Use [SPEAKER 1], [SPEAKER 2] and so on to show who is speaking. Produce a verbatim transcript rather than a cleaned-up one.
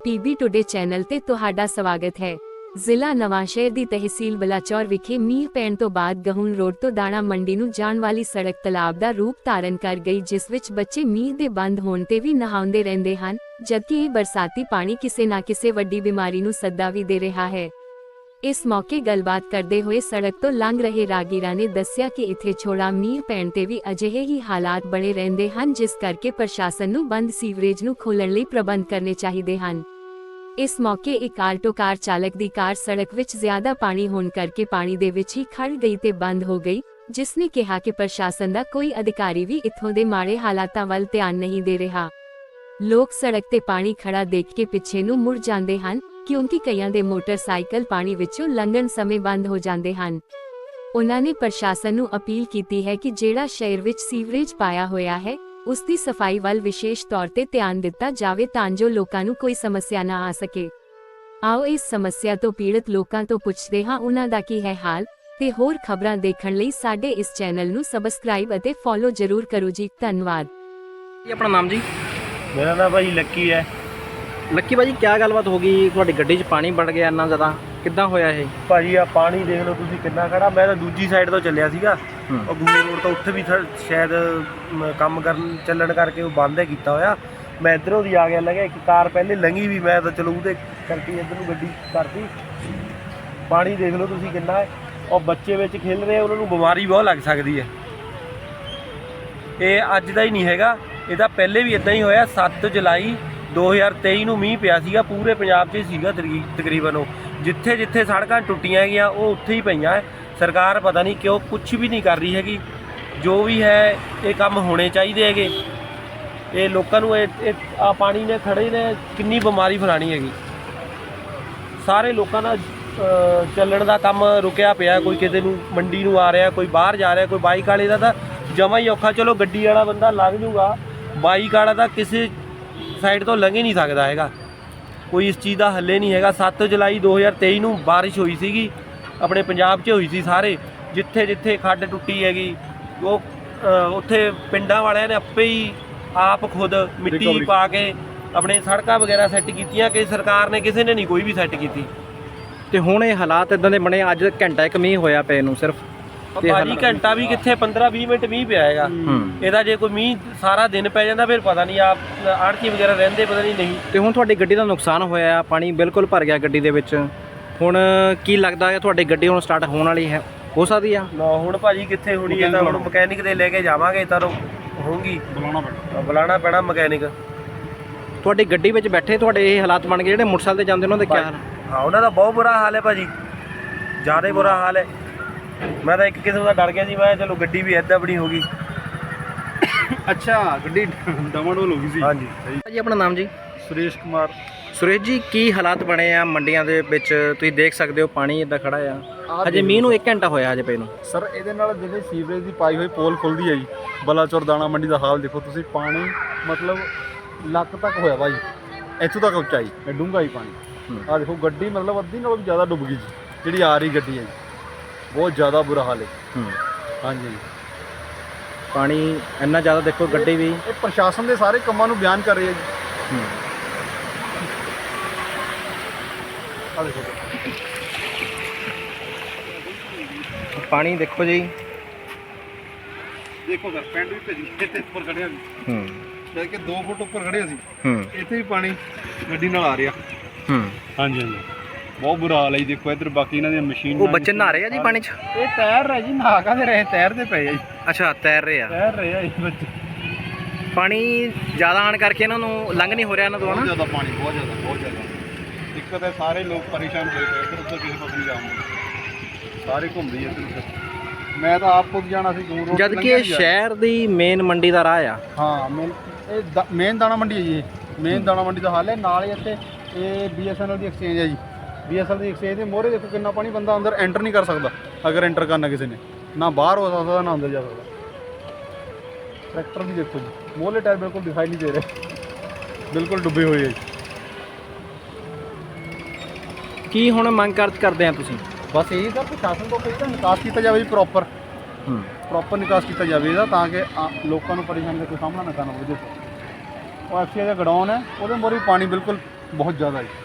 [SPEAKER 1] PB today channel ਤੇ ਤੁਹਾਡਾ ਸਵਾਗਤ ਹੈ। ਜ਼ਿਲ੍ਹਾ ਨਵਾਂਸ਼ਹਿਰ ਦੀ ਤਹਿਸੀਲ ਬਲਾਚੌਰ ਵਿਖੇ ਮੀਂਹ ਪੈਣ ਤੋਂ ਬਾਅਦ ਗਹੂਣ ਰੋਡ ਤੋਂ ਦਾਣਾ ਮੰਡੀ ਨੂੰ ਜਾਣ ਵਾਲੀ ਸੜਕ ਤਲਾਬ ਦਾ ਰੂਪ ਧਾਰਨ ਕਰ ਗਈ, ਜਿਸ ਵਿੱਚ ਬੱਚੇ ਮੀਂਹ ਦੇ ਬੰਦ ਹੋਣ ਤੇ ਵੀ ਨਹਾਉਂਦੇ ਰਹਿੰਦੇ ਹਨ, ਜਦਕਿ ਇਹ ਬਰਸਾਤੀ ਪਾਣੀ ਕਿਸੇ ਨਾ ਕਿਸੇ ਵੱਡੀ ਬਿਮਾਰੀ ਨੂੰ ਸੱਦਾ ਵੀ ਦੇ ਰਿਹਾ ਹੈ। ਇਸ ਮੌਕੇ ਗੱਲਬਾਤ ਕਰਦੇ ਹੋਏ ਸੜਕ ਤੋਂ ਲੰਘ ਰਹੇ ਰਾਗੀਰਾਂ ਨੇ ਦੱਸਿਆ ਕਿ ਇੱਥੇ ਛੋੜਾ ਮੀਂਹ ਪੈਣ ਤੇ ਵੀ ਅਜਿਹੇ ਹੀ ਹਾਲਾਤ ਬਣੇ ਰਹਿੰਦੇ ਹਨ, ਜਿਸ ਕਰਕੇ ਪ੍ਰਸ਼ਾਸਨ ਨੂੰ ਬੰਦ ਸੀਵਰੇਜ ਨੂੰ ਖੋਲ੍ਹਣ ਲਈ ਪ੍ਰਬੰਧ ਕਰਨੇ ਚਾਹੀਦੇ ਹਨ। ਇਸ ਮੌਕੇ ਇੱਕ ਆਲਟੋ ਕਾਰ ਚਾਲਕ ਦੀ ਕਾਰ ਸੜਕ ਵਿੱਚ ਜ਼ਿਆਦਾ ਪਾਣੀ ਹੋਣ ਕਰਕੇ ਪਾਣੀ ਦੇ ਵਿੱਚ ਹੀ ਖੜ ਗਈ ਤੇ ਬੰਦ ਹੋ ਗਈ, ਜਿਸ ਨੇ ਕਿਹਾ ਕਿ ਪ੍ਰਸ਼ਾਸਨ ਦਾ ਕੋਈ ਅਧਿਕਾਰੀ ਵੀ ਇੱਥੋਂ ਦੇ ਮਾੜੇ ਹਾਲਾਤਾਂ ਵੱਲ ਧਿਆਨ ਨਹੀਂ ਦੇ ਰਿਹਾ। ਲੋਕ ਸੜਕ ਤੇ ਪਾਣੀ ਖੜਾ ਦੇਖ ਕੇ ਪਿੱਛੇ ਨੂੰ ਮੁੜ ਜਾਂਦੇ ਹਨ, ਕਿਉਂਕਿ ਕਈਆਂ ਦੇ ਮੋਟਰਸਾਈਕਲ ਪਾਣੀ ਵਿੱਚੋਂ ਲੰਘਣ ਸਮੇਂ ਬੰਦ ਹੋ ਜਾਂਦੇ ਹਨ। ਉਹਨਾਂ ਨੇ ਪ੍ਰਸ਼ਾਸਨ ਨੂੰ ਅਪੀਲ ਕੀਤੀ ਹੈ ਕਿ ਜਿਹੜਾ ਸ਼ਹਿਰ ਵਿੱਚ ਸੀਵਰੇਜ ਪਾਇਆ ਹੋਇਆ ਹੈ, ਉਸ ਦੀ ਸਫਾਈ ਵੱਲ ਵਿਸ਼ੇਸ਼ ਤੌਰ ਤੇ ਧਿਆਨ ਦਿੱਤਾ ਜਾਵੇ ਤਾਂ ਜੋ ਲੋਕਾਂ ਨੂੰ ਕੋਈ ਸਮੱਸਿਆ ਨਾ ਆ ਸਕੇ। ਆਓ ਇਸ ਸਮੱਸਿਆ ਤੋਂ ਪੀੜਤ ਲੋਕਾਂ ਤੋਂ ਪੁੱਛਦੇ ਹਾਂ ਉਹਨਾਂ ਦਾ ਕੀ ਹੈ ਹਾਲ, ਤੇ ਹੋਰ ਖਬਰਾਂ ਦੇਖਣ ਲਈ ਸਾਡੇ ਇਸ ਚੈਨਲ ਨੂੰ ਸਬਸਕ੍ਰਾਈਬ ਅਤੇ ਫੋਲੋ ਜ਼ਰੂਰ ਕਰੋ ਜੀ। ਧੰਨਵਾਦ।
[SPEAKER 2] ਆਪਣਾ ਨਾਮ ਜੀ?
[SPEAKER 3] मेरा नाम भाई लक्की है।
[SPEAKER 2] ਲੱਕੀ ਭਾਜੀ, ਕੀ ਗੱਲਬਾਤ ਹੋ ਗਈ? ਤੁਹਾਡੀ ਗੱਡੀ 'ਚ ਪਾਣੀ ਵੜ ਗਿਆ ਇੰਨਾ ਜ਼ਿਆਦਾ, ਕਿੱਦਾਂ ਹੋਇਆ ਇਹ?
[SPEAKER 3] ਭਾਜੀ ਆ ਪਾਣੀ ਦੇਖ ਲਓ ਤੁਸੀਂ ਕਿੰਨਾ ਖੜਾ। ਮੈਂ ਤਾਂ ਦੂਜੀ ਸਾਈਡ ਤੋਂ ਚੱਲਿਆ ਸੀਗਾ, ਉਹ ਗੂੜੇ ਰੋਡ ਤੋਂ ਉੱਥੇ ਵੀ ਸ਼ਾਇਦ ਮ, ਕੰਮ ਕਰਨ ਚੱਲਣ ਕਰਕੇ ਉਹ ਬੰਦ ਹੈ ਕੀਤਾ ਹੋਇਆ। ਮੈਂ ਇੱਧਰੋਂ ਦੀ ਆ ਗਿਆ, ਲੱਗਿਆ ਇੱਕ ਕਾਰ ਪਹਿਲੇ ਲੰਘੀ ਵੀ, ਮੈਂ ਤਾਂ ਚਲੋ ਉਹਦੇ ਕਰਕੇ ਇੱਧਰ ਨੂੰ ਗੱਡੀ ਕਰਤੀ। ਪਾਣੀ ਦੇਖ ਲਓ ਤੁਸੀਂ ਕਿੰਨਾ ਹੈ, ਉਹ ਬੱਚੇ ਵਿੱਚ ਖੇਲ ਰਹੇ, ਉਹਨਾਂ ਨੂੰ ਬਿਮਾਰੀ ਬਹੁਤ ਲੱਗ ਸਕਦੀ ਹੈ। ਇਹ ਅੱਜ ਦਾ ਹੀ ਨਹੀਂ ਹੈਗਾ, ਇਹਦਾ ਪਹਿਲੇ ਵੀ ਇਦਾਂ ਹੀ ਹੋਇਆ। ਸੱਤ ਜੁਲਾਈ ਦੋ ਹਜ਼ਾਰ ਤੇਈ ਨੂੰ ਮੀਂਹ ਪਿਆ ਸੀਗਾ, ਪੂਰੇ ਪੰਜਾਬ 'ਚ ਹੀ ਸੀਗਾ ਤਕਰੀਬਨ। ਉਹ ਜਿੱਥੇ ਜਿੱਥੇ ਸੜਕਾਂ ਟੁੱਟੀਆਂ ਹੈਗੀਆਂ ਉਹ ਉੱਥੇ ਹੀ ਪਈਆਂ ਹੈ। ਸਰਕਾਰ ਪਤਾ ਨਹੀਂ ਕਿਉਂ ਕੁਛ ਵੀ ਨਹੀਂ ਕਰ ਰਹੀ ਹੈਗੀ। ਜੋ ਵੀ ਹੈ ਇਹ ਕੰਮ ਹੋਣੇ ਚਾਹੀਦੇ ਹੈਗੇ। ਇਹ ਲੋਕਾਂ ਨੂੰ ਇਹ ਆ ਪਾਣੀ ਨੇ ਖੜੇ ਨੇ ਕਿੰਨੀ ਬਿਮਾਰੀ ਫੈਲਾਣੀ ਹੈਗੀ। ਸਾਰੇ ਲੋਕਾਂ ਦਾ ਚੱਲਣ ਦਾ ਕੰਮ ਰੁਕਿਆ ਪਿਆ। ਕੋਈ ਕਿਤੇ ਨੂੰ ਮੰਡੀ ਨੂੰ ਆ ਰਿਹਾ, ਕੋਈ ਬਾਹਰ ਜਾ ਰਿਹਾ, ਕੋਈ ਬਾਈਕ ਵਾਲੇ ਦਾ ਤਾਂ ਜਮਾ ਹੀ ਔਖਾ। ਚਲੋ ਗੱਡੀ ਵਾਲਾ ਬੰਦਾ ਲੰਘ ਜੂਗਾ, ਬਾਈਕ ਵਾਲਾ ਤਾਂ ਕਿਸੇ ਸਾਈਡ ਤੋਂ ਲੰਘ ਹੀ ਨਹੀਂ ਸਕਦਾ ਹੈਗਾ। ਕੋਈ ਇਸ ਚੀਜ਼ ਦਾ ਹੱਲੇ ਨਹੀਂ ਹੈਗਾ। ਸੱਤ ਜੁਲਾਈ ਦੋ ਹਜ਼ਾਰ ਤੇਈ ਨੂੰ ਬਾਰਿਸ਼ ਹੋਈ ਸੀਗੀ, ਆਪਣੇ ਪੰਜਾਬ 'ਚ ਹੋਈ ਸੀ। ਸਾਰੇ ਜਿੱਥੇ ਜਿੱਥੇ ਖੱਡ ਟੁੱਟੀ ਹੈਗੀ, ਉਹ ਉੱਥੇ ਪਿੰਡਾਂ ਵਾਲਿਆਂ ਨੇ ਆਪੇ ਹੀ ਆਪ ਖੁਦ ਮਿੱਟੀ ਪਾ ਕੇ ਆਪਣੇ ਸੜਕਾਂ ਵਗੈਰਾ ਸੈੱਟ ਕੀਤੀਆਂ, ਕਿ ਸਰਕਾਰ ਨੇ ਕਿਸੇ ਨੇ ਨਹੀਂ ਕੋਈ ਵੀ ਸੈੱਟ ਕੀਤੀ।
[SPEAKER 2] ਤੇ ਹੁਣ ਇਹ ਹਾਲਾਤ ਇਦਾਂ ਦੇ ਬਣੇ। ਅੱਜ ਘੰਟਾ ਇੱਕ ਮੀਂਹ ਹੋਇਆ ਪਏ ਨੂੰ ਸਿਰਫ,
[SPEAKER 3] ਭਾਜੀ ਘੰਟਾ ਵੀ ਕਿੱਥੇ, ਪੰਦਰਾਂ ਵੀਹ ਮਿੰਟ ਮੀਂਹ ਪਿਆ ਹੈਗਾ। ਇਹਦਾ ਜੇ ਕੋਈ ਮੀਂਹ ਸਾਰਾ ਦਿਨ ਪੈ ਜਾਂਦਾ ਫਿਰ ਪਤਾ ਨਹੀਂ, ਆਪ ਆੜਤੀ ਵਗੈਰਾ ਰਹਿੰਦੇ ਪਤਾ ਨਹੀਂ ਨਹੀਂ।
[SPEAKER 2] ਤੇ ਹੁਣ ਤੁਹਾਡੀ ਗੱਡੀ ਦਾ ਨੁਕਸਾਨ ਹੋਇਆ, ਪਾਣੀ ਬਿਲਕੁਲ ਭਰ ਗਿਆ ਗੱਡੀ ਦੇ ਵਿੱਚ। ਹੁਣ ਕੀ ਲੱਗਦਾ ਹੈ ਤੁਹਾਡੀ ਗੱਡੀ ਹੁਣ ਸਟਾਰਟ ਹੋਣ ਵਾਲੀ ਹੈ? ਹੋ ਸਕਦੀ ਆ
[SPEAKER 3] ਨਾ ਹੁਣ ਭਾਜੀ ਕਿੱਥੇ ਹੋਣੀ ਹੈ, ਤਾਂ ਹੁਣ ਮਕੈਨਿਕ ਦੇ ਲੈ ਕੇ ਜਾਵਾਂਗੇ ਤਾਂ ਹੋਊਗੀ। ਬੁਲਾਉਣਾ ਪੈਣਾ ਬੁਲਾਉਣਾ ਪੈਣਾ ਮਕੈਨਿਕ।
[SPEAKER 2] ਤੁਹਾਡੀ ਗੱਡੀ ਵਿੱਚ ਬੈਠੇ ਤੁਹਾਡੇ ਇਹ ਹਾਲਾਤ ਬਣ ਗਏ, ਜਿਹੜੇ ਮੋਟਰਸਾਈਕਲ ਤੇ ਜਾਂਦੇ ਉਹਨਾਂ ਦੇ ਕੀ ਹਾਲ?
[SPEAKER 3] ਹਾਂ ਉਹਨਾਂ ਦਾ ਬਹੁਤ ਬੁਰਾ ਹਾਲ ਹੈ ਭਾਜੀ, ਜ਼ਿਆਦਾ ਬੁਰਾ ਹਾਲ ਹੈ। ਮੈਂ ਤਾਂ ਇੱਕ ਕਿਸਮ ਦਾ ਡਰ ਗਿਆ ਸੀ, ਮੈਂ ਚਲੋ ਗੱਡੀ ਵੀ ਇੱਦਾਂ ਬਣੀ ਹੋ ਗਈ।
[SPEAKER 4] ਅੱਛਾ, ਗੱਡੀ ਡਮਾਡੋਲ ਹੋ ਗਈ ਸੀ।
[SPEAKER 3] ਹਾਂਜੀ
[SPEAKER 2] ਜੀ ਆਪਣਾ ਨਾਮ ਜੀ?
[SPEAKER 4] ਸੁਰੇਸ਼ ਕੁਮਾਰ।
[SPEAKER 2] ਸੁਰੇਸ਼ ਜੀ, ਕੀ ਹਾਲਾਤ ਬਣੇ ਆ ਮੰਡੀਆਂ ਦੇ ਵਿੱਚ? ਤੁਸੀਂ ਦੇਖ ਸਕਦੇ ਹੋ ਪਾਣੀ ਇੱਦਾਂ ਖੜਾ ਆ। ਹਜੇ ਮੀਂਹ ਨੂੰ ਇੱਕ ਘੰਟਾ ਹੋਇਆ ਹਜੇ ਪਏ ਨੂੰ।
[SPEAKER 4] ਸਰ ਇਹਦੇ ਨਾਲ ਜਿਹੜੇ ਸੀਵਰੇਜ ਦੀ ਪਾਈ ਹੋਈ ਪੋਲ ਖੁੱਲਦੀ ਹੈ ਜੀ, ਬਲਾਚੌਰ ਦਾਣਾ ਮੰਡੀ ਦਾ ਹਾਲ ਦੇਖੋ ਤੁਸੀਂ। ਪਾਣੀ ਮਤਲਬ ਲੱਕ ਤੱਕ ਹੋਇਆ ਭਾਈ, ਇੱਥੋਂ ਤੱਕ ਉੱਚਾਈ, ਇਹ ਡੂੰਘਾ ਹੀ ਪਾਣੀ। ਆਹ ਦੇਖੋ ਗੱਡੀ ਮਤਲਬ ਅੱਧੀ ਨਾਲੋਂ ਵੀ ਜ਼ਿਆਦਾ ਡੁੱਬ ਗਈ ਜੀ, ਜਿਹੜੀ ਆ ਰਹੀ ਗੱਡੀ ਹੈ ਜੀ। ਬਹੁਤ ਜ਼ਿਆਦਾ ਬੁਰਾ ਹਾਲ ਹੈ। ਹਾਂਜੀ,
[SPEAKER 2] ਪਾਣੀ ਇੰਨਾ ਜ਼ਿਆਦਾ ਦੇਖੋ, ਗੱਡੀ ਵੀ।
[SPEAKER 4] ਇਹ ਪ੍ਰਸ਼ਾਸਨ ਦੇ ਸਾਰੇ ਕੰਮਾਂ ਨੂੰ ਬਿਆਨ ਕਰ ਰਹੀ ਹੈ ਜੀ। ਆ ਦੇਖੋ
[SPEAKER 2] ਪਾਣੀ ਦੇਖੋ ਜੀ,
[SPEAKER 4] ਦੇਖੋ ਸਰ ਪਿੰਡ ਵੀ ਭੇਜੀ ਇੱਥੇ ਉੱਪਰ ਖੜਿਆ ਸੀ।
[SPEAKER 2] ਹੂੰ
[SPEAKER 4] ਜਦ ਕਿ ਦੋ ਫੁੱਟ ਉੱਪਰ ਖੜੇ ਸੀ,
[SPEAKER 2] ਹੂੰ
[SPEAKER 4] ਇੱਥੇ ਵੀ ਪਾਣੀ ਗੱਡੀ ਨਾਲ ਆ ਰਿਹਾ।
[SPEAKER 2] ਹੂੰ
[SPEAKER 4] ਹਾਂਜੀ ਹਾਂਜੀ, ਬਹੁਤ ਬੁਰਾ ਹਾਲ ਹੈ ਜੀ। ਦੇਖੋ ਇੱਧਰ ਬਾਕੀ ਇਹਨਾਂ ਦੀਆਂ ਮਸ਼ੀਨ।
[SPEAKER 2] ਉਹ ਬੱਚੇ ਨਹਾ ਰਹੇ ਆ ਜੀ ਪਾਣੀ 'ਚ?
[SPEAKER 4] ਇਹ ਤੈਰ ਰਹੇ ਜੀ, ਨਹਾ ਕਾਹਦੇ ਰਹੇ, ਤੈਰਦੇ ਪਏ ਆ ਜੀ।
[SPEAKER 2] ਅੱਛਾ, ਤੈਰ ਰਹੇ ਆ,
[SPEAKER 4] ਤੈਰ ਰਹੇ ਆ ਜੀ ਬੱਚੇ।
[SPEAKER 2] ਪਾਣੀ ਜ਼ਿਆਦਾ ਆਉਣ ਕਰਕੇ ਇਹਨਾਂ ਨੂੰ ਲੰਘ ਨਹੀਂ ਹੋ ਰਿਹਾ ਇਹਨਾਂ ਤੋਂ,
[SPEAKER 4] ਬਹੁਤ
[SPEAKER 2] ਹਨਾ?
[SPEAKER 4] ਜ਼ਿਆਦਾ ਪਾਣੀ, ਬਹੁਤ ਜ਼ਿਆਦਾ ਬਹੁਤ ਜ਼ਿਆਦਾ ਦਿੱਕਤ ਹੈ। ਸਾਰੇ ਲੋਕ ਪਰੇਸ਼ਾਨ ਹੋਏ ਪਏ, ਇੱਧਰ ਉੱਧਰ ਕਿਸੇ ਪਾਸੇ ਨਹੀਂ ਜਾਉਂਦੇ, ਸਾਰੇ ਘੁੰਮਦੇ ਇੱਧਰ ਉੱਧਰ। ਮੈਂ ਤਾਂ ਆਪ ਖੁਦ ਜਾਣਾ ਸੀ ਦੂਰ ਰੋਡ,
[SPEAKER 2] ਜਦ ਕਿ ਇਹ ਸ਼ਹਿਰ ਦੀ ਮੇਨ ਮੰਡੀ ਦਾ ਰਾਹ ਆ।
[SPEAKER 4] ਹਾਂ, ਮੇਨ ਇਹ ਮੇਨ ਦਾਣਾ ਮੰਡੀ ਹੈ ਜੀ। ਮੇਨ ਦਾਣਾ ਮੰਡੀ ਦਾ ਹਾਲ ਹੈ। ਨਾਲ ਹੀ ਇੱਥੇ ਇਹ ਬੀ ਐਸ ਐਨ ਐਲ ਦੀ ਐਕਸਚੇਂਜ ਹੈ ਜੀ। ਬੀ ਐਸ ਐਨ ਐਲ ਦੀ ਐਕਸਚੇਂਜ ਦੇ ਮੋਹਰੇ ਦੇਖੋ ਕਿੰਨਾ ਪਾਣੀ, ਬੰਦਾ ਅੰਦਰ ਐਂਟਰ ਨਹੀਂ ਕਰ ਸਕਦਾ। ਅਗਰ ਐਂਟਰ ਕਰਨਾ ਕਿਸੇ ਨੇ, ਨਾ ਬਾਹਰ ਹੋ ਸਕਦਾ ਨਾ ਅੰਦਰ ਜਾ ਸਕਦਾ। ਟਰੈਕਟਰ ਵੀ ਦੇਖੋ ਜੀ, ਮੋਹਲੇ ਟਾਇਰ ਬਿਲਕੁਲ ਦਿਖਾਈ ਨਹੀਂ ਦੇ ਰਹੇ, ਬਿਲਕੁਲ ਡੁੱਬੇ ਹੋਏ ਹੈ ਜੀ।
[SPEAKER 2] ਕੀ ਹੁਣ ਮੰਗ ਕਰ ਕਰਦੇ ਆ ਤੁਸੀਂ?
[SPEAKER 4] ਬਸ ਇਹੀ ਸਰ, ਪ੍ਰਸ਼ਾਸਨ ਤੋਂ ਕੋਈ ਤਾਂ ਨਿਕਾਸ ਕੀਤਾ ਜਾਵੇ ਜੀ, ਪ੍ਰੋਪਰ
[SPEAKER 2] ਹੂੰ
[SPEAKER 4] ਪ੍ਰੋਪਰ ਨਿਕਾਸ ਕੀਤਾ ਜਾਵੇ ਇਹਦਾ, ਤਾਂ ਕਿ ਲੋਕਾਂ ਨੂੰ ਪਰੇਸ਼ਾਨੀ ਦਾ ਕੋਈ ਸਾਹਮਣਾ ਨਾ ਕਰਨਾ ਪਵੇ। ਦੇਖੋ ਉਹ ਐਫ ਸੀ ਦਾ ਗਡਾਊਨ ਹੈ, ਉਹਦੇ ਮੋਹਰੇ ਪਾਣੀ ਬਿਲਕੁਲ ਬਹੁਤ ਜ਼ਿਆਦਾ ਜੀ।